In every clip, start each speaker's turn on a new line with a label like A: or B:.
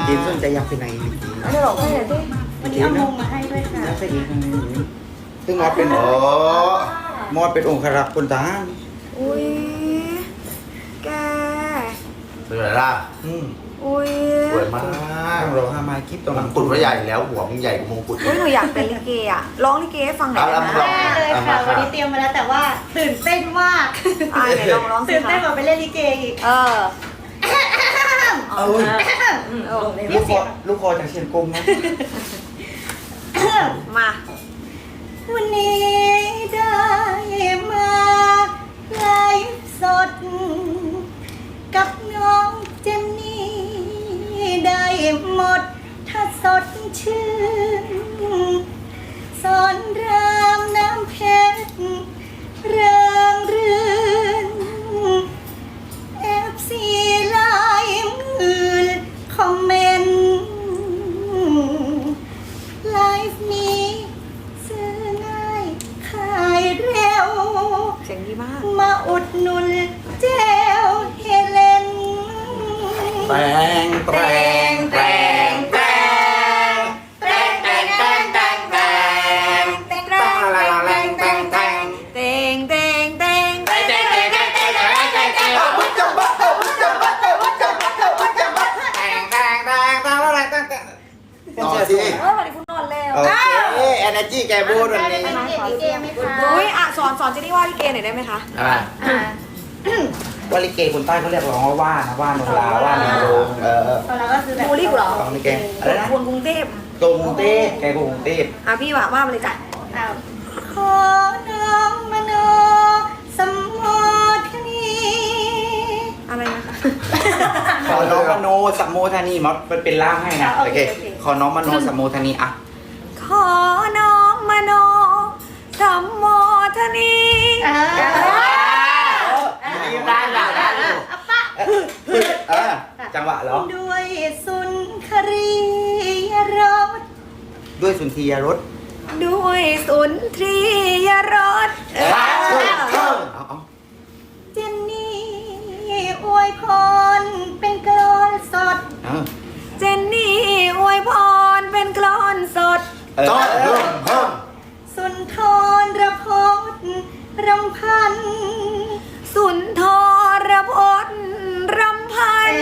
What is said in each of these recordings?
A: เจนสนใจอยากเป็นไหนลิเก
B: อันนี้บอกให้หน่อยสิ
C: วันนี้เอามงมาให้ด้วยค่ะ
A: อยากเป็นอีกซึ่งมอดเป็นมอดเป็นองค์ครักษ์คนทหาร
B: อุ้ยแก
D: เป็นไรล่ะ
B: อุ้ย
D: สวยมาก
A: ต้องรอห้าไม้คลิปตรง
D: ม
A: หลั
D: ง
A: ง
D: กุฎว่าใหญ่แล้วหัวมึงใหญ่กว่ามงกุฎ
B: อุ้ยหนูอยากเป็นลิเกอ่ะร้องลิเกให้ฟังหน่อยได้ไหม
D: เอา
C: แน่เลยค่ะ วันนี้เตรียมมาแล้วแต่ว่าตื่นเต้นมาก
B: ไหนลองร้องสิ
C: ตื่น
B: คะ
C: เต้นกว่าไปเล่นลิเกอีก
B: เออ
A: เอ้ยลูกคอจากเชียงกงนะ
B: มา
C: วันนี้ได้มาไลฟ์สด กับน้องเจนนี่ได้หมดถ้าสดชื่นสอนรามน้ำเพชรเริงรื่นFC ไลน์มือคอมเมนต์ไลฟ์นี้ซื้อง่ายขายเร็ว
B: เสียงดีมาก
C: มาอุดหนุนเจลเฮเลน
A: แตงแตงแตงแตงแตงแตงแตงแตงแตงแตงอะไรแรงแตงแตง
B: เตงเตงเตง
A: แตงแตงแตงแตงแตงแตงแตงแตงวุ้นจับบัตวุ้นจับบัตวุ้นจับบัตวุ้นจับบัตแตงแตงแตงแตงอะไรแตงแตงต่อสิ
B: วันนี้คุณนอนแล้ว
A: โอเคเอเนจีแกบูดวันนี้
C: เป็นเกมลิเกไหมคะ
B: อุ้ยอ่ะสอนเจนี่ว่าลิเกหน่อยได้ไหมคะ
A: อะไร
C: อ่า
A: ว่าลิเกคนใต้เขาเรียกร้องว่าว่านนะว่านโนราว่านโนโรง
C: ตอนเราก็คือแบบ
B: บูลลี่กูเหรอ
A: ของลิเกอะไรนะ
B: คนกรุงเทพ
A: ตรงกรุงเทพแกกรุงเทพ
B: อ่ะพี่ว่ามาเลยจ้ะ
C: อ้าวขอน้อมมโนสมโภชนี
B: อะไรนะคะ
A: ขอน้องมโนสัมโมทนีมันเป็นล่ามให้นะโอเคขอน้องมโนสัมโมทนีอ่ะ
B: ขอน้อมมโนสัมโมทนี
A: ได้จังหวะเหรอ
C: ด้วยสุนทรียรส
A: ด้วยสุนทรียรส
B: ด้วยสุนทรียรส
A: เอา
C: เจนนี่อวยพรเป็นกลอนสด
B: เจนนี่อวยพรเป็นกลอนสด
D: ต้นเพิ่ม
C: สุนทรพจน์รำพัน
B: สุนทรพจน์รำพัน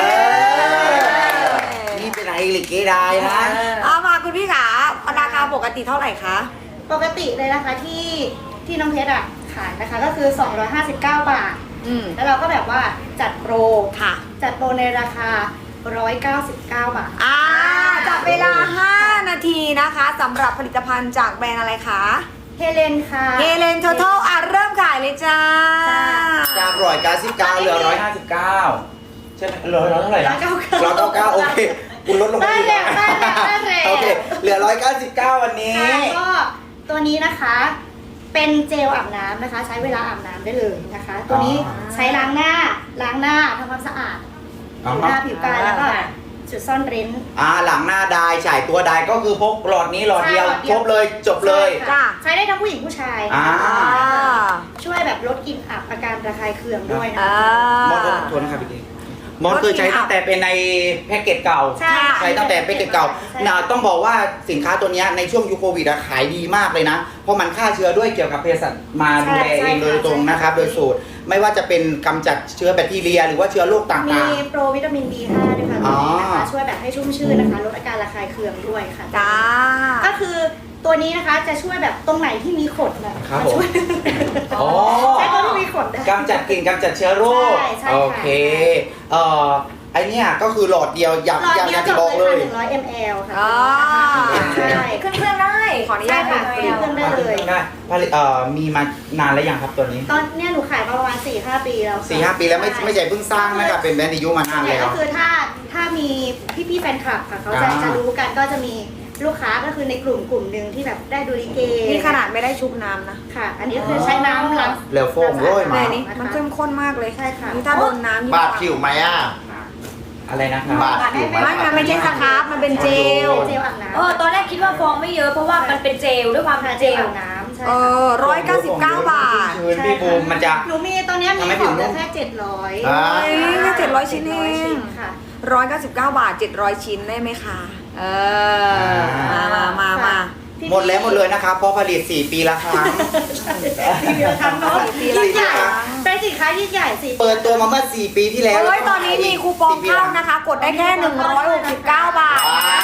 A: นี่เป็นไงลิเกได้นะ
B: เอามาคุณพี่ขาราคาปกติเท่าไหร่คะ
C: ปกติเลยนะคะที่น้องเพชรอ่ะขายนะคะก็คือ 259 บาท แล้วเราก็แบบว่าจัดโปร
B: ค่ะ
C: จัดโปรในราคา 199 บาท
B: จับเวลา 5 นาทีนะคะสำหรับผลิตภัณฑ์จากแบรนด์อะไรคะ
C: เฮเลนค่ะ
B: เฮเลนทอทัลเริ่มขายเลยจ้า
A: จาก199เหลือ159ใช่ไหมร้อยเท่าไหร่นะ199โอเคคุณลดลงมาอีก
C: ได้แล้ว
A: โอเคเหลือ199วันนี้
C: ก็ตัวนี้นะคะเป็นเจลอาบน้ำนะคะ ใช้เวลาอาบน้ำได้เลยนะคะ ตัวนี้ใช้ล้างหน้าทำความสะอาดผิวหน้าผิวกายแล้วก็จุดซ่อนเร้น
A: หลังหน้าได้ฉายตัวได้ก็คือพกหลอดนี้หลอดเดียว
C: ใช่หลอดเดี
A: ค
C: ย
A: ร
C: ว
A: บเลยจบเลย
B: จ้ะ
C: ใช้ได้ทั้งผู้หญิงผู้ชาย ช่วยแบบลดกลิ่นอับอาการระคายเคืองด้วยนะ
A: มอสทวนนะครับพี่มอสเคยใช้ตั้งแต่เป็นในแพ็กเกจเก่า
C: ใช่
A: ใช้ตั้งแต่แพ็กเกจเก่าต้องบอกว่าสินค้าตัวนี้ในช่วงยุคโควิดขายดีมากเลยนะ เพราะมันฆ่าเชื้อด้วยเกี่ยวกับเภสัชมาดูแลเองโดยตรงนะครับ โดยสูตรไม่ว่าจะเป็นกำจัดเชื้อแบคทีเรีย หรือว่าเชื้อโรคต่าง
C: มี
A: ๆ
C: โปรวิตามิน B5 ด้วยค่ะตัวนี้นะคะช่วยแบบให้ชุ่มชื่นนะคะลดอาการระคายเคืองด้วยค่ะ
B: จ้า
C: ก็คือตัวนี้นะคะจะช่วยแบบตรงไหนที่มีขนนะครับ
A: ผม
C: ช่วย
A: อ๋อ
C: ใช้ตัวที่มีขนได้
A: กำจัดกลิ่นกำจัดเชื้อโรค
C: ใช่ค่ะ
A: โอเคไอเนี้ยก็คือหลอดเดียวอยาก
C: หลอด
A: อยาก
C: เดียว
A: จะ
C: จ
A: บอก
C: บ
A: เล
C: เลย
A: ย
C: ค่ะ100 ml ค่ะ
B: ใช่
C: ใช่
B: ขึ้นเครื่องได้ ขออนุญาต
C: ใช่ค่ะ
B: ขึ้น
C: ขึ้นเครื่องได้เลย
A: ได้ผลิตมีมานานแล้วยังครับตัวนี้
C: ตอนเนี้ยหนูขายมาประมาณ 4-5 ปีแล้วค่ะ
A: 4-5 ปีแล้วไม่ใช่เพิ่งสร้างนะครับเป็นแบรนด์อายุมานาน
C: เนี่ย
A: แล้ว
C: ก็คือถ้ามีพี่ๆแฟนคลับค่ะเขาจะ
A: อ่า
C: จะรู้กันก็จะมีลูกค้าก็คือในกลุ่มหนึ่งที่แบบได้ดูลิเก
B: นี่ขนาดไม่ได้ชุบน้ำนะ
C: ค่ะ อันนี้ก็คือใช้น้ำล้าง
A: เหลวโฟมโรย
B: แต่
A: มา
B: นี่มันเข้มข้นมากเลย
C: ใช่ค่ะ
B: นี่ถ้าโดนน้ำยิ่ง
D: บาดผิวไหมอ่ะ
A: อะไรนะครับ
D: บาดผิวไหม
B: มันไม่ใช่สครับมันเป็นเจล
C: เจลอาบน้ำ
E: ตอนแรกคิดว่าฟองไม่เยอะเพราะว่ามันเป็นเจลด้วยความเป็น
C: เจ
E: เจ
C: ล
E: ล
C: อาบน้ำใช่
B: 199 บาท
A: ชื้นพี่บูมมันจะ
C: หนูมีตอนเนี้ยมี
A: ทำให้
C: ข
A: ผิ
C: อ
A: ว
C: งเห
A: นุ่
C: ลือ
A: ม
C: แค่700
A: อ่า
B: แค่ 700 ชิ้นเอง
C: ค่ะ
B: 199 บาท 700 ชิ้นได้ไหมคะเออมา
A: หมดแล้วหมดเลยนะครับเพราะผลิต 4 ปีละครั้ง
C: 4 ปีละครั้งเนาะ
B: 4 ปีละ
C: ยิ่งใหญ่
B: ครั้ง
C: เป็นสินค้ายิ่งใหญ่4
A: เปิดตัวมาเมื่อ 4 ปีที่แล้ว
B: เฮ้ยตอนนี้มีคูปองเข้านะคะ กดได้แค่ 169 บาท
A: ว้า
C: ค่ะ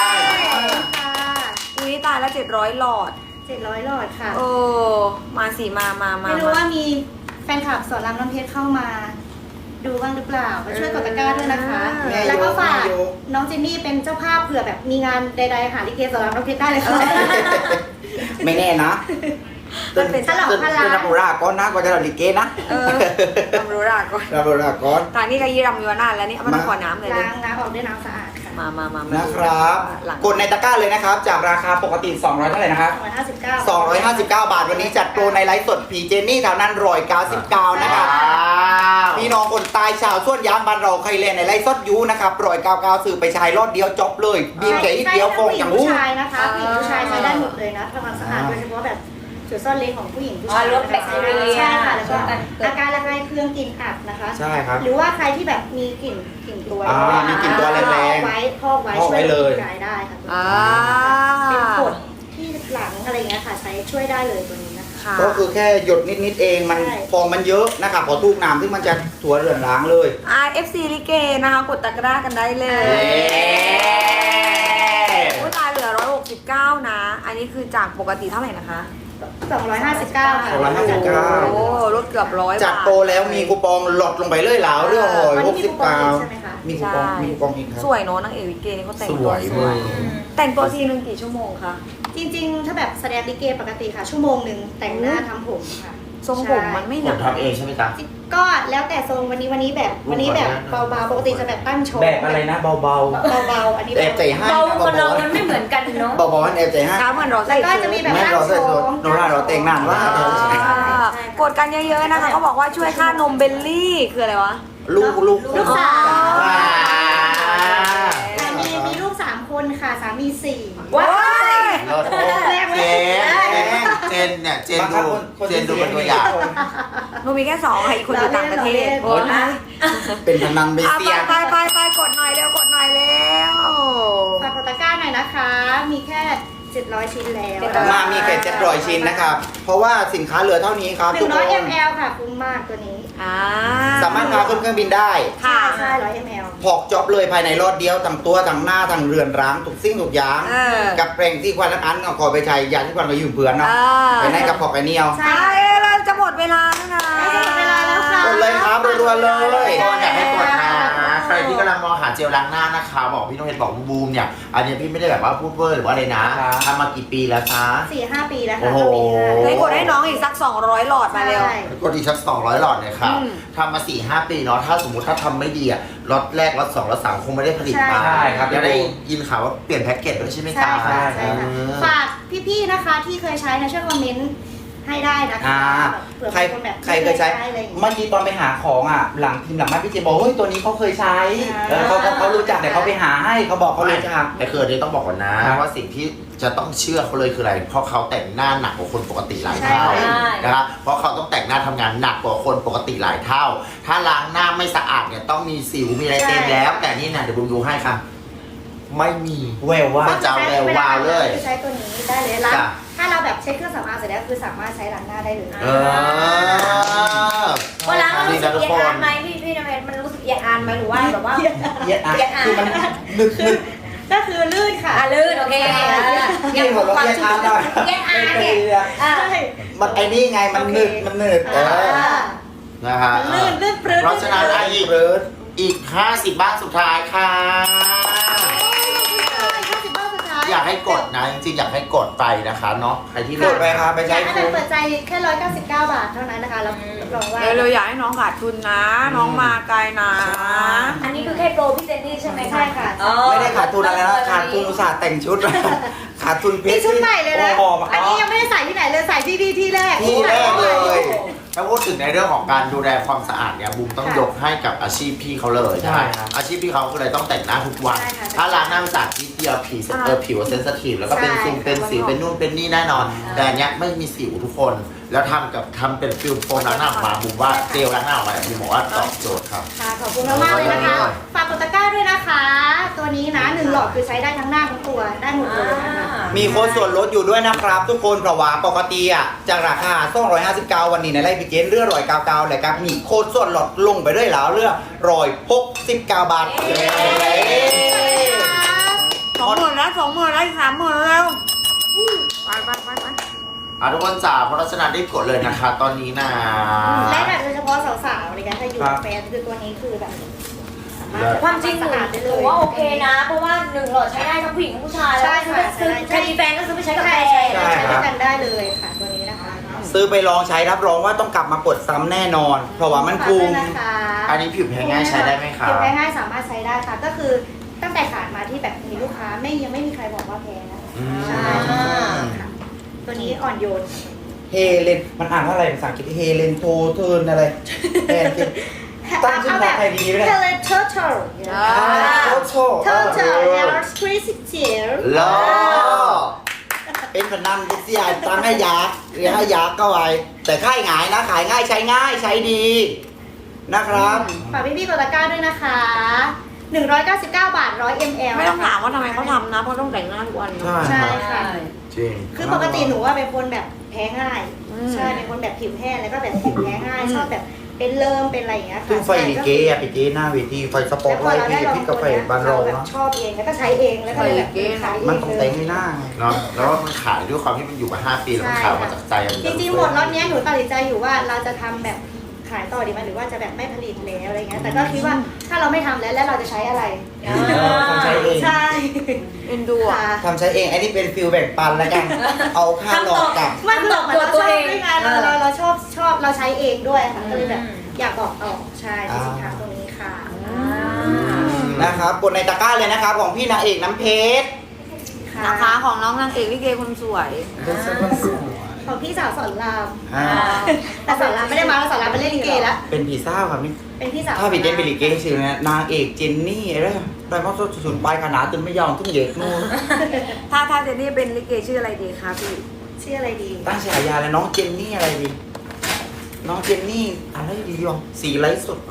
B: อุ้ยตายแล้ว 700 หลอด
C: 700 หลอดค่ะ
B: เออมาสิมา
C: ไม่รู้ว่ามีแฟนคลับสอนรามน้ำเพชรเข้ามา ดูบ้างหรือเปล่ามาช่วยกดตะกร้าด้วยนะคะ
A: แม่
C: แล้วก็ฝาก
A: โย
C: น้องเจนนี่เป็นเจ้าภาพเผื่อแบบมีงานใดๆหาลิเกสอนรามน้ำเพชรได้เลยค่ะ
A: ไม่แน่นะ
B: มันเป็น
C: ฉลองพลัง
A: รับราก้อนนะก็จะเราลิเกนะ
B: เออทำรู้ราก่อน
A: รับราก้อน
B: ตอนนี้ก็ยี่รำอยู่นานแล้วนี่เอามาขอน้ำเลย
C: ล้างน้ำออกด้วยน้ำสะอาดค่ะ
B: มา
A: นะครับ
B: หลัง
A: กดในตะกร้าเลยนะครับ จากราคาปกติ 200 เท่าไหร่นะครับ 259 บาทวันนี้จัดโปรในไลฟ์สดพีเจนี่แถวนั้น199นะครับ พี่น้องคนตายชาวส่วนยางบ้านเราใครเล่นในไลฟ์สดยูนะครับ199สื่อไปชายรอดเดียวจบเลยบีบเก๋เดียวฟองอย่าง
C: ผู้
A: รู้
C: ชายนะคะผู้หญิงผู้ชายใช้ได้หมดเลยนะทำความสะอาดโดยเฉพาะแบบจุดซ่อนเล้นของผู้หญิงผู้ชาย
E: ลดแบคทีเรีย
C: ใช่ค่ะแล้วก็อาการระคายเคืองกลิ่นอับนะคะ
A: ใช่ครับ
C: หรือว่าใครที่แบบมีกลิ่นตัว
A: มีกลิ่นตัวแรงๆ
C: ไว้พอกไว้
A: พอกไว้เลย
C: ช่วยกายได้ค่ะ
B: อ่า
C: เป็นกดที่หลังอะไรเงี้ยค่ะใช้ช่วยได้เลยตัวนี้นะคะ
B: ค่ะ
A: ก็คือแค่หยดนิดๆเองมัน
C: ใช่
A: ฟองมันเยอะนะครับพอทูกน้ำที่มันจะถั่วเหลืองล้างเลย
B: RFC ลิเกนะคะกดตะกร้ากันได้เลย
A: เย้
B: โอ้ยตายเหลือ169นะ อันนี้คือจากปกติเท่าไหร่นะคะ
C: 259 ค่ะ
A: 259
B: โอ้ลดเกือบ100 บาท
A: จัดโปรแล้วมีคูปองหลดลงไปเลยเหลาเรื่องหอย
C: วันนี้มีคูปองอีกใช่ไหมคะ
A: 69มีคูปองมีคูปองอีกครับ
B: สวยเนาะนางเอกลิเกนี่เขาแต่ง
D: ส
B: ตัว
D: วย
B: ส
D: เล
B: วย
D: ย
B: แต่งตัวทีนึงกี่ชั่วโมงคะ
C: จริงๆ ถ้าแบบแสดงลิเกปกติค่ะ ชั่วโมงหนึ่งแต่งหน้าทำผมค่ะ
B: ทรงผมมันไม่ห
D: ผ
B: นั
D: ม
B: ก
D: ทำเองใช่ไหมจ๊ะ
C: ก็แล้วแต่ทรงวันนี้แบบเบาๆปกติจะแบบตั้งโชว์
A: แบบอะไรนะเบา
C: เบาๆอันนี้
A: ๆแอบใจให้
E: เบา
A: นะ
E: คนเรามันไม่เหมือนกันเนาะ
A: เบาๆมันแอบใจให้
B: ช้าเหมือนเรา
C: แล้
B: ใส่
C: วก็จะมีแบบ
A: แม่
C: ตั้ง
A: เรา
C: โช
A: ใส่
C: ว์
A: โนราเราแต่งนานว่า
B: กดกันเยอะๆนะคะเขาบอกว่าช่วยค่านมเบลลี่คืออะไรวะ
A: ลูก
C: ลูกสาว
A: ว้า
C: แต่มีลูก3 คนค่ะสามี4
B: ว้าย
D: รถเจนเนี่ยเจนดูเป็นตัวอย่าง
B: หนูมีแค่2ค่ะอีกคนอยู่ต่างประเทศ
C: โอ้ย
A: เป็นพนันเบ
B: อ่ะ
A: เซีย
B: ไปกดหน่อยเร็วกดหน่อยเร็ว
C: ฝากกดตะกร้าหน่อยนะคะ มีแค่ 700 ชิ้นแล้ว
A: มามีแค่700ชิ้นนะครับ เพราะว่าสินค้าเหลือเท่านี้ครับทุกคน
C: 100 ml ค่ะคุ้มมากตัวนี้
A: สามารถพาขึ้นเครื่องบินได้
B: ค่ะ
C: ใช่100 ml
A: พอกจ็อบเลยภายในรอดเดียวทั้งตัวทั้งหน้าทั้งเรือนร้างทุกสิ่งทุกอย่าง
B: เออ
A: กับแปรงที่ควันทั้งอันก็ขอไปใช้ยาที่ควันก็ยืมเพื่อนเนาะไปในกับพอกไอเนียว
C: ใช่
B: ใช่เราจะหมดเวลาแล้วนะ
C: ใกล้จะหมดเวลาแล้วค่ะ
A: กดเลยครับรัวๆเลย
D: ก็อยากให้กดนะใครที่กำลังมองหาเจลล้างหน้านะคะ บอกพี่น้องเห็ดบอกบูมเนี่ย อันนี้พี่ไม่ได้แบบว่าพูดเวอร์หรือว่าอะไรนะทำมากี่ปีแล้วคะ
C: 4-5 ปีแล้ว
D: โอ้
C: ค่ะ
D: โห
B: เฮ้ยกดให้น้องอีกสัก200หลอดมาเร็ว
C: ใช่
D: กดอีกสัก200 หลอดเลยค่ะ
B: อืม
D: ทำมา 4-5 ปีเนาะถ้าสมมติถ้าทำไม่ดีอะล็อตแรกล็อต2ล็อต3คงไม่ได้ผลิตมา
A: ใช่ครับ
D: จะได้ยินข่าวว่าเปลี่ยนแพ็กเกจด้วยใช่ไหม
C: ใช่
D: คะ
C: ค่ะใช่ค่ะ
D: เออ
C: ฝากพี่ๆนะคะที่เคยใช้นะช่วยคอมเมนต์ให้ได้นะคะ
A: อ่า
C: เผื่อ
A: ใคร
C: บางนแบบ
A: ใครเคยใช้
C: อะไรอย่างเงี้ย
A: เมื่อกี้ตอนไปหาของอ่ะ หลังพิมพ์หลังบ้านพี่เจบอกเฮ้ยตัวนี้เขาเคยใช้
C: อ่า
A: เขารู้จักแต่เขาไปหาให้เขาบอกเขารู้จัก
D: แต่คืออันนี้ต้องบอกก่อนนะครับ ว่าสิ่งที่จะต้องเชื่อเขาเลยคืออะไร เพราะเขาแต่งหน้าหนักกว่าคนปกติหลายเท่า
E: ใช่
D: นะครับเพราะเขาต้องแต่งหน้าทำงานหนักกว่าคนปกติหลายเท่า ถ้าล้างหน้าไม่สะอาดเนี่ยต้องมีสิวมีอะไรเต็มแล้ว แต่นี่นะเดี๋ยวบุมดูให้ค่ะ ไม่มี
A: แววว่า
D: จะเอาแวววาวเลย
C: ใช้ตัวนี้ได้เลยล้าง
D: จ้ะ
C: ถ้าเราแบบเช็คเครื่องสำอางเสร็จแล้วคือสามารถใช้ล้างหน้าได้เลย
D: เออ
E: เวลามันรู้สึก
D: ทุก
E: เอีย
D: ค
E: ดอาน
D: น
E: ไหมพี่น้ำเพชรมันรู้สึกเอียดอานไหมหรือว่าแบบว่า
A: เย็ดอ่ะคือมันนึก
C: ก็คือลื่นค่ะ
E: ลื่นโอเค
A: ยังบอกว่าเย็ดอ่ะได้
E: เอียดอานเนี่ยอ่า
C: ใช่
A: มันไอ้นี่ไงมันนึกมันนึก
D: นะฮะ
C: ลื่นปลื้ด
D: เพราะฉะนั้นไอ้
A: เบิร์ด
D: อีก50 บ้านสุดท้ายค่ะ
C: 50 บ้านสุดท้าย
D: อยากให้กดนะ จริงๆอยากให้กดไปนะคะเนาะใครที่
A: ก
D: เลือ
A: ด
D: ก
A: ไปครับไป
C: อ
A: ใช้
C: ยากให้
A: คุ้ม
C: เปิดใจแค่199 บาทเท่านั้นนะคะรับรองว่า
B: เร็วๆอยากให้น้องขาดทุนนะ น้องมาไกลนะ
E: อันนี้คือแค่โปรพี่เจนนี่ใช่ไหม
C: ใช่ค่ะ
E: อ๋อ
A: ไม่ได้ขาดทุนอะไรนะขาดทุนอุตส่าห์แต่งชุดขาดทุนเพช
C: นี่
A: ร
C: ชุดใหม่เลยนะ
A: โอ้
C: อันนี้ยังไม่ได้ใส่ที่ไหนเลยใส่ที่นี่ที่แรก
A: ที่แรกเลย
D: ถ้าพูดถึงในเรื่องของการดูแลความสะอาดเนี่ยบูมต้องยกให้กับอาชีพพี่เขาเลย
A: ใช่ครับ
D: อาชีพพี่เขาคืออะไรต้องแต่งหน้าทุกวัน
C: ใช่ค่ะ
D: ถ้าล้างหน้าสะอาดนิดเดียวผิวเซนซิทีฟแล้วก็เป็นซิงเป็นสิวเป็นนู่นเป็นนี่แน่นอน แต่อันเนี้ยไม่มีสิวทุกคน แล้วทำเป็นฟิลโฟมล้างหน้าออกมาบูมว่าเจลล้างหน้าออกมาบูมบอกว่าตอบโจทย์ครับ
C: ค่ะขอบคุณมากๆเลยนะคะ ฝากกดตะกร้าด้วยนะคะ ตัวนี้นะ1 หลอดคือใช้ได้ทั้งหน้าทั้งตัวได้หมดเลยนะคะ
A: มีโค้ดส่วนลดอยู่ด้วยนะครับ ทุกคนเพราะว่าปกติอ่ะจากราคา259วันนี้ในไลฟ์พิเกนเรือ199เลยครับมีโค้ดส่วนลดลงไปด้วยแล้วเรือ169 บาท
B: 20,000แล้ว20,000แล้วอีก30,000แล้วไป
D: ทุกคนจ๋าเพราะฉะนั้นได้กดเลยนะคะตอนนี้นะ
C: และแบบโดยเฉพาะสาวๆอะไรกันถ้าอยู่กับแฟนคือตัวนี้คือแบบสามารถ
E: ความจริงหนู
C: สะอาดได้
E: ห
C: เล
E: นู
C: ย
E: ว่าโอเคนะ เพราะว่า1 หลอดใช้ได้ทั้งผู้หญิงทั้งผู้ชายแล้ว
C: ใช่
E: คือ
C: ค่ะ
E: ซื้อ
C: ใช่
E: ใครมีแฟนก็ซื้อไปใช้กับแฟ
C: ใช่
E: น
C: ใช่ใช้ด้วยกันได้เลยค่ะตัวนี้นะคะ
A: ซื้อไปลองใช้รับรองว่าต้องกลับมากดซ้ำแน่นอน เพราะว่ามันคุ้ม
C: ฝากด้วยนะคะ
D: อันนี้ผิวแพ้ง่ายใช้ได้ไหมคะ
C: ผิวแพ้ง่ายสามารถใช้ได้ค่ะ ก็คือตั้งแต่ขาดมาที่แบบมีลูกค้ายังไม่มีใครบอกว่าแพ้นะ
D: อืม
C: ใช่ค่ะตัวนี้อ่อนโยน
A: เฮเลนมันอ่านว่าอะไรภาษาอังกฤษเฮเลนโทเทิร์นอะไรแทนที่ตั้งชื่อภาษาไทยดีไหมเนี่ย
C: Helen Turtle
A: โทโช
C: Turtle Hair Crazy Tail
D: โล
A: เป็นพนันบุษยาตั้งให้ยักษ์หรือให้ยักษ์ก็ไว้แต่ค่ายหงายนะขายง่ายใช้ง่ายใช้ดีนะครับ
C: ฝากพี่ๆกดตะกร้าด้วยนะคะ 199 บาท 100 ml
B: ไม่ต้องถามว่าทำไมเขาทำนะ เพราะต้องแต่งหน้าทุกวัน
A: ใช่
C: ใช่ค่ะ
D: จริง
C: คือปกติหนูว่าเป็นคนแบบแพ้ง่าย
B: อืม
C: ใช่ เป็นคนแบบผิวแห้งแล้วก็แบบผิวแพ้ง่าย ชอบแบบเป็นเริ่มเป็นอะไรอย่างเงี้ยค่ะ
A: ซึ่งไฟลิเกอะไปเกหน้าเวทีไฟสปอตไลท์พี่พี่กับไฟบานรอง
C: แบบ
A: เนาะ
C: ชอบเองแล้วก็ใช้เองแล้วก็เลยแบบขายเอง
A: มันต้องแต่งให้หน้าไง
D: เนาะแล้วมันขายด้วยความที่มันอยู่มา5 ปีแล้วมันขายมาจากใจมัน
C: จริงๆหมดล็อตเนี้ยหนูตัดสินใจอยู่ว่าเราจะทำแบบขายต่อดีไหมหรือว่าจะแบบไม่ผลิตแล้วอะไรเงี้ยแต่ก็คิดว่าถ้าเราไม่ทำแล้วเราจะใช้อะไร
A: ทำใช้เอง
C: ใช่
B: เอ็นดูอ่ะ
C: ค่ะ
A: ทำใช้เองอันนี้เป็นฟิลแบ่งปันแล้วกัน เอาค่าหลอกกลับ
C: มันคือแบบเหมือนเราชอบด้วยไงเราชอบเราใช้เองด้วยค่ะก็เลยแบบอยากบอกต่อใช่ที่สินค้าตรงนี้ค่ะ
A: นะครับกดในตะกร้าเลยนะครับของพี่นางเอกน้ำเพชร
B: นะคะของน้องนางเอกลิเกคนสวย
C: ของพี่สาวสอนราม
A: อ่า
C: แต่สอนรามไม่ได้มาแล้วสอนรามไปเล่นลิเกแล้ว
A: เป็นผีเศร้าครับนี่
C: เป็นพี่สาว
A: ถ้าพี่เจนเป็นลิเกชื่อนะนางเอกเจนนี่อะไรได้เพราะสุดปลายขนาดจนไม่ยอมขึ้นเหยกนู่น
B: ถ้าเจนนี่เป็นลิเกชื่ออะไรดีคะพี่
C: ชื่ออะไรดี
A: ตั้งฉายาเลยน้องเจนนี่อะไรดี น้องเจนนี่อะไรดีวะสีไร้สด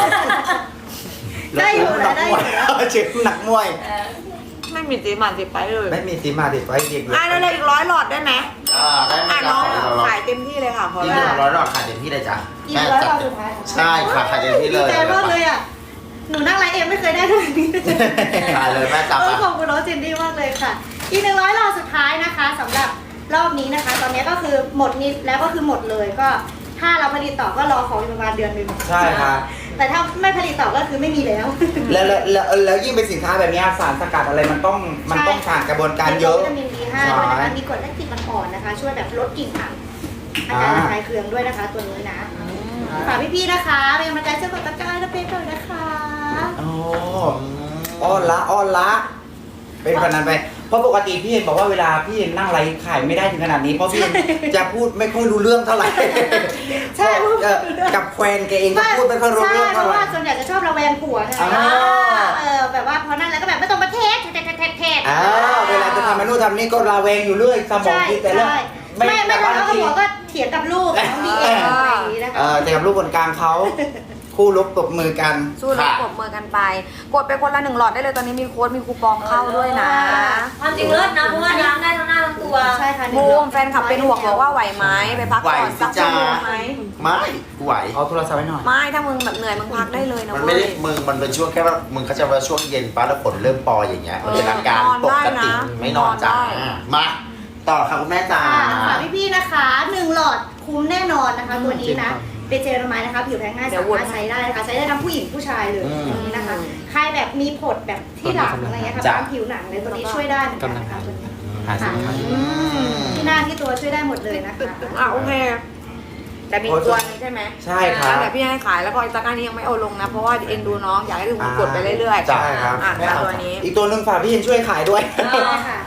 C: ได้อยู่นะได้อยู่นะ
A: เจ็บหนักมวย
B: ไม่มีตีมันติดไปเลย
A: ไม่มีสีมาติดไว้เด็ก
B: อ่ะแล้วอีก100 หลอดได้ไหม
D: ได้ไหม
B: อ่ะ
D: จ๊ะ
B: น้องขายเต็มที่เลยค่ะขอ
D: จริง
B: เลย
D: ๆ100 หลอดขายเต็มที่เลยจ้ะ
C: อีกร้อยรอบสุดท้าย
D: ใช่ค่ะขายเต็มที่เลย
C: ดีใจมากเลยอ่ะหนูนั่งไลฟ์เองไม่เคยได้เท่านี้
D: ขายเลยแม่จับ
C: ขอบคุณน้องเจนนี่มากเลยค่ะ อีก100รอบสุดท้ายนะคะสำหรับรอบนี้นะคะ ตอนนี้ก็คือหมดนิดแล้วก็คือหมดเลยก็ถ้าเราผลิตต่อก็รอของอีกประมาณเดือนหนึง
A: ใช่ครับ
C: แต่ถ้าไม่ผลิตต่อก็คือไม่มีแล้ว
A: แล้วยิ่งเป็นสินค้าแบบนี้สารสกัดอะไรมันต้องผ่านกระบวนการเยอะ
C: วิตามิน B5 ด้วยนะคะมีกรดแลคติกอ่อนๆนะคะ ช่วยแบบลดกลิ่นอับอาการระคายเคืองด้วยนะคะ ตัวนี้นะฝากพี่ๆนะคะเป็นกำลังใจเชื่อมกับตะกร้าและเป็นก่อนนะคะ
A: อ๋ออ้อนละเป็นขนาดนั้นไปเพราะปกติพี่เห็นบอกว่าเวลาพี่เห็นนั่งไลฟ์ขายไม่ได้ถึงขนาดนี้เพราะพี่เห็นจะพูดไม่ค่อยรู้เรื่องเท่าไหร่
C: ใช่พูด
A: กับแฟนแกเองก็พูดไม่ค่อยรู้
C: ใช่
A: เรื่อง
C: เพ
A: เท่า
C: ราะ
A: ไหร่
C: ว่าส่วนใหญ่จะชอบระแวงผัวไง
A: อ่า
C: แบบว่าพอนั่นแล้วก็แบบไม่ต้องมาเทส
A: เวลาจะทำเมนูทำนี่ก็ระแวงอยู่เรื่อยสมอง
C: ใช่
A: คิดแต่เรื่อง
C: ใช่ไม่ทะเลาะกับผัวก็เถียงกับลูกน้องบีเอ็มอะไรอย่างนี้นะคะ
A: แต่กับลูกคนกลางเขาคู่รบตบมือกัน
B: สู้รบปรบมือกันไป กดไปคนละ1 หลอดได้เลยตอนนี้มีโค้ดมีคูปองเข้าด้วยนะ
E: ความจริงเลิศนะเพราะว่าล้างได้ทั้งหน้าทั้งตัว
C: ใช่ค่ะ
B: บูมแฟนคลับเป็นห่วงบอกว่าไหวไหมไปพักก่อนสักชั่วโมงไหม
D: ไม่ไหว
A: เอาโทรศัพท์ไว้หน่อย
B: ไม่ถ้ามึงแบบเหนื่อยมึงพักได้เลยนะ
D: มัน
B: เว้
D: ไม่
B: ย
D: ได้มันเป็นช่วงแค่ว่ามึงเขาใจะว่าช่วงเย็นป้าแล้วฝนเริ่มปออย่างเงี้ยมันเป็นอาการปกติไม่นอนจ้ามาต่อค่ะคุณแม่จ๋า
C: ฝากพี่ๆนะคะ1 หลอดคุ้มแน่นอนนะคะตัวนี้นะเป็นเจลละไม้นะคะผิวแพ้ง่ายสามารถใช้ได้นะคะใช้ได้ทั้งผู้หญิงผู้ชายเลยตัวนี้นะคะใครแบบมีผดแบบที่หลังอะไรเงี้ยค่ะตามผิวหนังเลยตัวนี้ช่วยได้เหมือนกันนะคะตัวนี้
A: หาสินค้า
C: ที่หน้าที่ตัวช่วยได้หมดเลยนะคะ
B: อ่ะโอเค แต่มีตัวนึงใช่ไหม
A: ใช่ครับ
B: แต่พี่ให้ขายแล้วก็อีตาก้านี้ยังไม่เอาลงนะ เพราะว่าเอ็นดูน้องอยากให้ทุกคนกดไปเรื่อยๆ
A: ใช่ครับ
B: ตัวนี้
A: อีกตัวหนึ่งฝากพี่เห็นช่วยขายด้วย
C: ใช่ค่ะ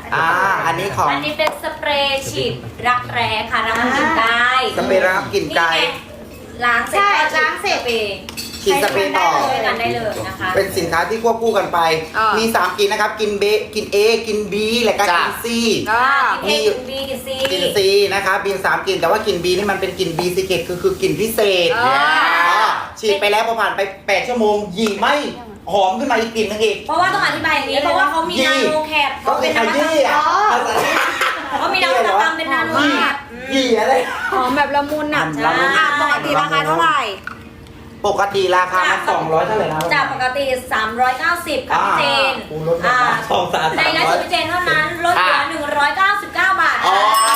A: อันนี้ของ
E: อันนี้เป็นสเปรย์ฉีดรักแร้ค่ะรักกลิ่นกาย
A: สเปรย์รับกลิ่นกาย
E: นี่ไงล้างเสร็จ
C: ใช่
E: ก็
C: ล้างเสร็จ
E: สปรย์
A: ฉีดสเปรย์ต่อ
E: ใช้กันได้เลยนะคะ
A: เป็นสินค้าที่ควบคู่กันไป มี 3กลิ่นนะครับกลิ่นเบกลิ่น A กลิ่น B และก็กลิ่น C
E: กิน A กิน B กิน C
A: กลิ่น C นะครับมี3กลิ่นแต่ว่ากลิ่น B นี่มันเป็นกลิ่น B Secret คือกลิ่นพิเศษฉีดไปแล้วพอผ่านไป8ชั่วโมงหยีไม่หอมขึ้นมาอีกกลิ่นนึงอีก
E: เพราะว่าต้องอธิบายอย่างนี้เพราะว่าเขามีนาโนแคป
A: ก็เป็นขยี้อ่ะ
E: เขามีนวัตกรรมเป็นนาโนแคป
A: หยีอะไร
B: หอมแบบละมุนอ่ะ
A: ละมุน
B: ปกติราคาเท่าไหร่
A: ปกติราคามัน200เท่าไหร่นะ
E: จากปกติ 390ค่ะพี่เจน
A: กูลดลงมา200
E: ในไลฟ์สดพี่เจนเท่านั้นลดเหลือ199 บาท
D: อ๋อ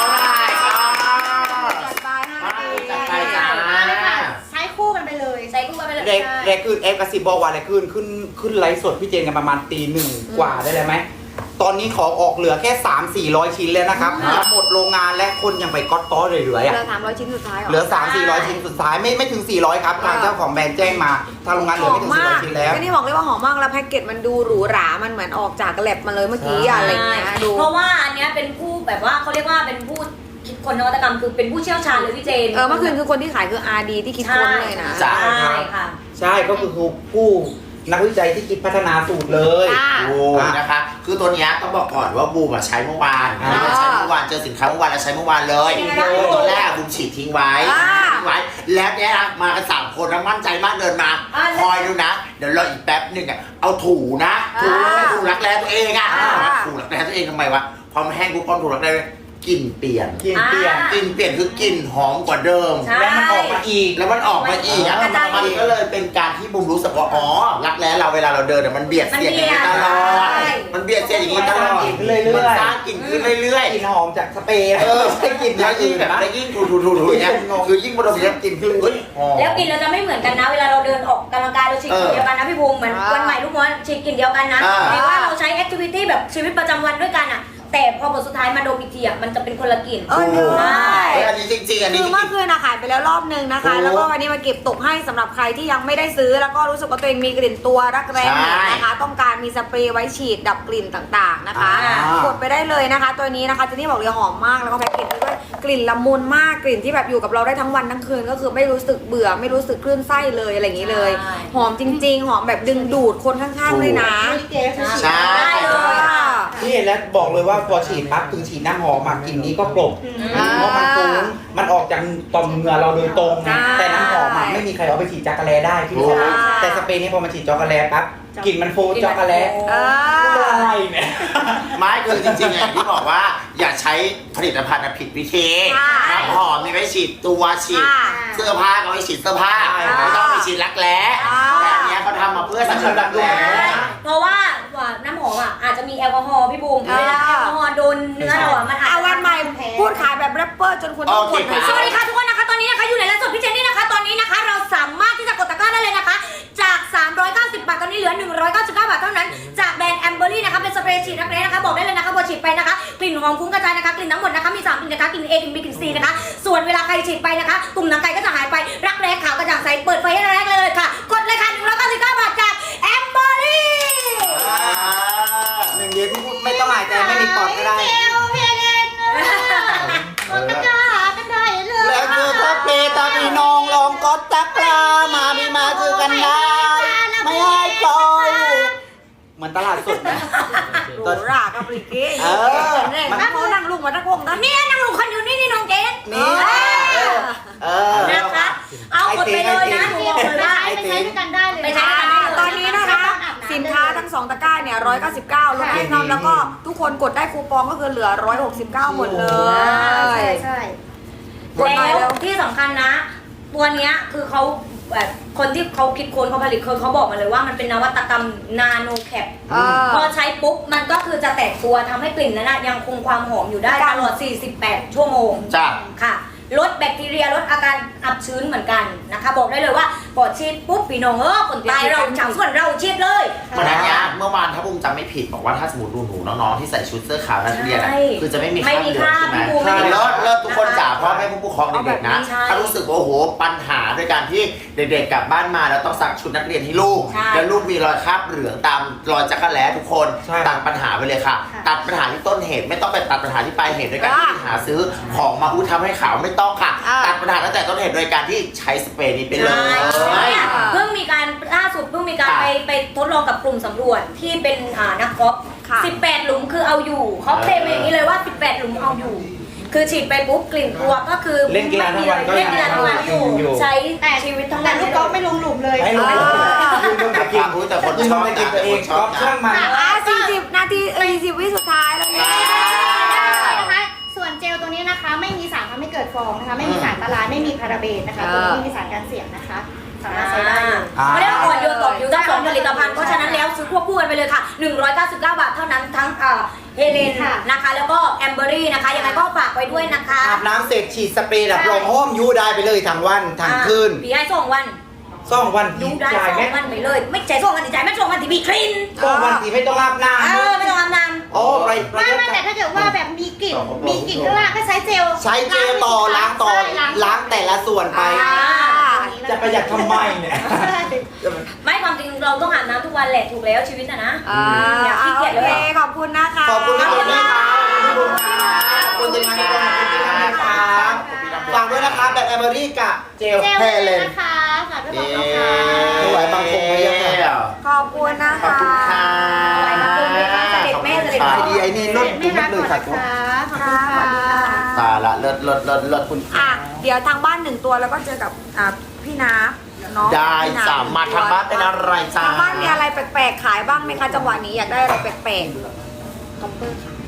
B: จัดไป5นาที
D: จัดไปจ้า
C: ใช้คู่กันไปเลย
E: ใส่คู่กันไปเลย
A: แรกขึ้นเอฟกระซิบบอกว่าแรกขึ้นไลฟ์สดพี่เจนกันประมาณตี 1กว่าได้เลยไหมตอนนี้ของออกเหลือแค่ 300-400 ชิ้นแล้วนะครับจะหมดโรงงานและคนยังไปก๊อตต้อเหลือ
B: เห
A: อ่ะ
B: ลือ300 ชิ้นสุดท้าย
A: เหลือ 300-400 ชิ้นสุดท้ายไม่ถึง 400 ครับทางเจ้าของแบรนด์แจ้งมาทางโรงงานเหลือไม่ถึง 400 ชิ้นแล้ว
B: ก็นี่บอกเลยว่าหอมมากแล้วแพ็กเกจมันดูหรูหรามันเหมือนออกจากแลบมาเลยเมื่อกี้อะไรอย่างเงี้ยดู
E: เพราะว่าอันเนี้ยเป็นผู้แบบว่าเขาเรียกว่าเป็นผู้คิดคนนวัตกรรมคือเป็นผู้เชี่ยวชาญเลยพี่เจน
B: เมื่อคืนคือคนที่ขายคือ RD ที่คิดค้นเลยนะ
A: จ้ะ
E: ใช่ค่ะ
A: ใช่ก็คือผู้นักวิจัยที่คิดพัฒนาสูตรเลย
D: โอ้นะคะ คือตัวเนี้ยต้องบอกก่อนว่าบูมอะใช้เมื่อวาน
A: อ่า
D: ใช้เมื่อวานเจอสินค้าเมื่อวานแล้วใช้เมื่อวานเลย
E: ยังไงบ้าง
D: ตัวแรกบูมฉีดทิ้งไว้ ทิ้งไว้ แล้วเนี่ยนะมากัน3คนแล้วมั่นใจมากเดินมา คอยดูนะ เดี๋ยวรออีกแป๊บหนึงอ่ะเอาถูนะถูรักแร้ตัวเองอ่ะถูรักแร้ตัวเองทำไมวะพอมันแห้งปุ๊บพอถูรักแร้กลิ่นเปลี่ยน
A: กินเปลี่ยน
D: กลิ่นเปลี่ยนคือกลิ่นหอมกว่าเดิม
E: ใช่
A: แล้วมันออกมาอีก
D: แล้วมันออกมาอีกอ่ะ
E: กระจาย
D: มันก็เลยเป็นการที่บูมรู้สึกว่าอ๋อรักแร้เราเวลาเราเดินอะมันเบียดเสียดอย่างนี้ตลอด
E: ใช่
D: มันเบียดเสียดอย่างนี้ตลอด
A: มันสร้างกลิ่นขึ้นเรื่อยๆ
D: มันสร้างกลิ่นขึ้นเรื่อย
A: กลิ่นหอมจากสเปรย์
D: ๆ
A: ไม่ใช่กลิ่น
D: แล้วยิ่งแบบ
A: นะ
D: แล้วยิ่งถูอย่างเงี้ยคือยิ่งบนเราเนี้ยกลิ่นขึ้นเฮ้ยหอม
E: แล้วกลิ่นเราจะไม่เหมือนกันนะ เวลาเราเดินออกกำลังกายเราฉีดกลิ่นเดียวกันนะพี่ภูมิเหมือนวันใหม่ลูกม้วนฉีดกลิ่นเดียวกันนะ
D: อ่า
E: แต่ว่าเราใช้แอคทิวิตี้แบบชีวิตประจำวันด้วยกันอ่ะแต่พอบทสุดท้ายมาดมอีกทีอ่ะมันจะเป็นคนละกลิ่น
B: ใช่
D: เฮ้ยอันนี้จริงๆอันนี้
B: คือ
D: จริ
B: เมื่อง คืนขายไปแล้วรอบนึงนะคะ แล้วก็วันนี้มาเก็บตกให้สำหรับใครที่ยังไม่ได้ซื้อ แล้วก็รู้สึกว่าตัวเองมีกลิ่นตัวรักแร้นะคะ ต้องการมีสเปรย์ไว้ฉีดดับกลิ่นต่างๆนะคะ กดไปได้เลยนะคะ ตัวนี้นะคะเจนนี่บอกเลยหอมมากแล้วก็แพ็กเกจด้วยกลิ่นละมุนมากกลิ่นที่แบบอยู่กับเราได้ทั้งวันทั้งคืนก็คือไม่รู้สึกเบื่อไม่รู้สึกคลื่นไส้เลยอะไรอย่างนี้เลย หอมจริงๆ หอมแบบดึงดูดคนข้างๆเลยนะ
D: ใช่
E: ได้เลยค่ะ
A: ที่เห็นแล้วบอกเลยว่าพอฉีดปั๊บถึงฉีดน้ำหอมมากลิ่นนี้ก็กลบเพราะมันฟุ้งมันออกจากต่อมเหงื่อเราโดยตรงนะแต่น้ำหอมอะไม่มีใครเอาไปฉีดจักรแลได้ที่เขาแต่สเปรย์นี้พอมาฉีดจักรแลปั๊บกลิ่นมันโฟจักรแลอะไรเนี่ย
D: ไม่คือจริงๆอย่างที่บอกว่าอย่าใช้ผลิตภัณฑ์ผิดวิธีน้ำหอมมีไว้ฉีดตัวฉีดเสื้อผ้าก็ไว้ฉีดเสื้อผ้าไม่ต้องไปฉีดรักแร้แต่อันเนี้ยเขาทำมาเพื่อสำหรับรักแร้
E: เพราะว่าน้ำหอมอ่ะอาจจะมีแอลกอฮอล์พี่บูมเวลาแอลกอฮอล์โดนเนื้อเราอ่ะมันอาจ
B: เอา
E: จะ
B: วันใหม่พูดขายแบบแรปเปอร์จนคุณต้องกดหน่อย
E: สวัสดีค่ะทุกคนนะคะตอนนี้นะคะอยู่ในไลฟ์สดพี่เจนนี่นะคะตอนนี้นะคะเราสามารถที่จะกดตะกร้าได้เลยนะคะ จาก 390 บาทตอนนี้เหลือ 199 บาทเท่านั้นจากแบรนด์แอมเบอรี่นะคะเป็นสเปรย์ฉีดรักแร้นะคะบอกได้เลยนะคะพอฉีดไปนะคะกลิ่นหอมฟุ้งกระจายนะคะกลิ่นทั้งหมดนะคะมี3กลิ่นนะคะกลิ่น A กลิ่น B กลิ่น C นะคะส่วนเวลาใครฉีดไปนะคะตุ่มหนังไก่ก็จะหายไปรักแร้ขาวกระจ่างใสเปิดไฟให้แรกเลยค่ะกดเลยค่ะ199 บาทจากแอมเบอรี่
A: หนึ่งเดียวที่พูดไม่ต้องหายใจไม่มีปอดก็ได้
C: กดตะกร้ากันได้เลย
A: แล้วคือถ้าเปย์ตาพี่น้องลองกดตะกร้ามาพี่มาคือกันได้ไม่ให้ปล่อยเหมือนตลาดสดนะ
B: หรูหรากับริเก้
A: มัน
B: นั่งนั่งลุงมาตะโกงนะ
E: เนี่ยนางลุงคนอยู่นี่นี่น้องเกด
A: นี่
E: นะคะเอากดไปเลยนะหนูบอกเลยว่า
C: ไปใช้ด้วยกันได้เลย
E: ไปใช้ด้วยกันได้เลย
B: ตอนนี้นะคะสินค้าทั้ง2ตะกร้าเนี่ย199ลดให้น้องแล้วก็ทุกคนกดได้คูปองก็คือเหลือ169หมดเลย
C: ใช่
B: กดหน่อย
E: แล้
B: เร็
E: ว
B: ว
E: ที่สำคัญนะ ตัวเนี้ยคือเขาแบบคนที่เขาคิดค้นเขาผลิตเขาบอกมาเลยว่ามันเป็นนวัตกรรมนาโนแคปพอใช้ปุ๊บมันก็คือจะแตกตัวทำให้กลิ่นนั้นนะยังคงความหอมอยู่ได้ตลอด 48 ชั่วโมง
D: จ้ะ
E: ค่ะลดแบคทีเรียลดอาการอับชื้นเหมือนกันนะคะบอกได้เลยว่าปอดฉีดปุ๊บพี่น้องคนตายเราชาวสวนเราฉีดเลย
D: เหมือนอันเนี้ยเมื่อวานถ้าบุ้มจำไม่ผิดบอกว่าถ้าสมมติหนูๆน้องๆที่ใส่ชุดเสื้อขาวนักเรียนอะ
E: ใช่
D: คือจะไม่มี
E: ไม่
D: คราบ
E: มี
D: เหลืองใช่ไหม
E: คราบพี่บูมไม่มีคราบ
D: เลิศทุกคนจ๋าเพราะแม่ผู้ปกครองเด็กๆนะ
E: เอาแบบนี้ใช่
D: ถ้ารู้สึกว่าโอ้โหปัญหาด้วยการที่เด็กๆกลับบ้านมาแล้วต้องซักชุดนักเรียนให้ลูก
E: ใช่
D: แล้วลูกมีรอยคราบเหลืองตามรอยจักรแล้ทุกคน
A: ใช่
D: ตัดปัญหาไปเลยค่ะ ตัดปัญหาที่ต้นเหตุไม่ต้องไปตัดปัญหาที่ปลายเหตุด้วยการที่หาซื้อของมาทำให้ขาวไม่ต้องค่ะ ตัดปัญหาตั้งแต่ต้นเหตุโดยการที่ใช้สเปรย์นี้ไปเลย
E: เนี่ยเพิ่งมีการล่าสุดเพิ่งมีการ
D: ค่ะ
E: ไปทดลองกับกลุ่มสำรวจที่เป็นนักกอล์ฟ
B: ค่ะ
E: 18 หลุมคือเอาอยู่เขาเคลมมาอย่างนี้เลยว่า 18 หลุมเอาอยู่ คือฉีดไปปุ๊บกลิ่นตัวก็คือ
A: เล่นกีฬาทั้งวันก็
E: เล่นกีฬาทั้งวันอยู่
A: อยู่
E: ใช้ชีวิตทั้ง
C: แต่
E: วัน
C: ลูกกอล์ฟไม่ลงหลุมเลย
A: ให้ลงยืนบนตะกิน
D: รู้แต่คน
A: ยืน
D: ช
A: บ
D: อบ
A: นตะกินตัวเองก็ช่างมัน
B: 40 นาที40 วิสุดท้ายแล้วเนี่ย
C: นะคะส่วนเจลตัวนี้นะคะไม่มีสารทำให้เกิดฟองนะคะไม่มีสารละลายไม่มีพาราเบนนะคะตัวนี้ไม่มีสารกันเสียนะคะสามารถใช้ได้เลย
E: ไม่ได้อ่อนโยนต่อผิวทั้งสองผลิตภัณฑ์เพราะฉะนั้นแล้วซื้อควบคู่กันไปเลยค่ะ 199 บาทเท่านั้นทั้งเฮเลนนะคะแล้วก็แอมเบอรี่นะคะยังไงก็ฝากไว้ด้วยนะคะ
A: อาบน้ำเสร็จฉีดสเปรย์ดับลมห้อมยูได้ไปเลยทั้งวันทั้งคืน
E: ปีให้2 วัน
A: 2 วัน
E: ยูได้
A: จ่ายไหม
E: 2 วันไปเลย ไม่ใจ2 วันติดใจไม่2 วันติดบีคลีน
A: 2 วันที่ไม่ต้องอาบน้
E: ไม่ต้องอาบน้
A: ำโอ้ไป
C: ไม่แต่ถ้าเกิดว่าแบบมีกลิ่นข้างล่างก็ใช้เจล
A: ใช้เจลต่อล้างต่อ
C: ใช่
A: ล้างแต่ละส่วนไป จะประหยัดทำไมเนี่ย
C: ใช่
E: ำไม่ความจริงเราต้องอาบน้ำทุกวันแหละถูกแล้วชีวิตนะ อย่าขี้
B: โอ
E: เกียจเลย
B: เคขอบคุณนะคะ
A: ขอบคุณที่คุณนะคะขอบคุณที่มาให้ความรู้ที่นี่นะครับฝากด้วยนะคะแบบแอมเบอรี่กับเจล
C: เจล
A: แฮ
C: เลย
A: เลน
C: นะคะฝากด้วยนะคะ
A: ไม่ไหวบางคงไม่ยังไง
B: ขอบคุณนะคะ
D: ขอบคุณค่ะ
E: ไหวบางคงไหมคะเสด็จแม่เสด็จ
A: ไอดีไอนี่ลด
C: ไม่
A: ทุก
C: รัก
A: เลย
C: ก่อน
A: ค่ะ
C: นะคะขอบคุณค่ะ
D: ตายละเลิศคุณ
B: อ่ะเดี๋ยวทางบ้าน1 ตัวแล้วก็เจอกับพี่นาเนาะ
D: ได้
B: พี่นับ
D: สามมาทางบ้านเป็นอะไรจ้า
B: ทางบ้านมีอะไรแปลกๆขายบ้างไหมคะจังหวะนี้อยากได้อะไรแปลกๆ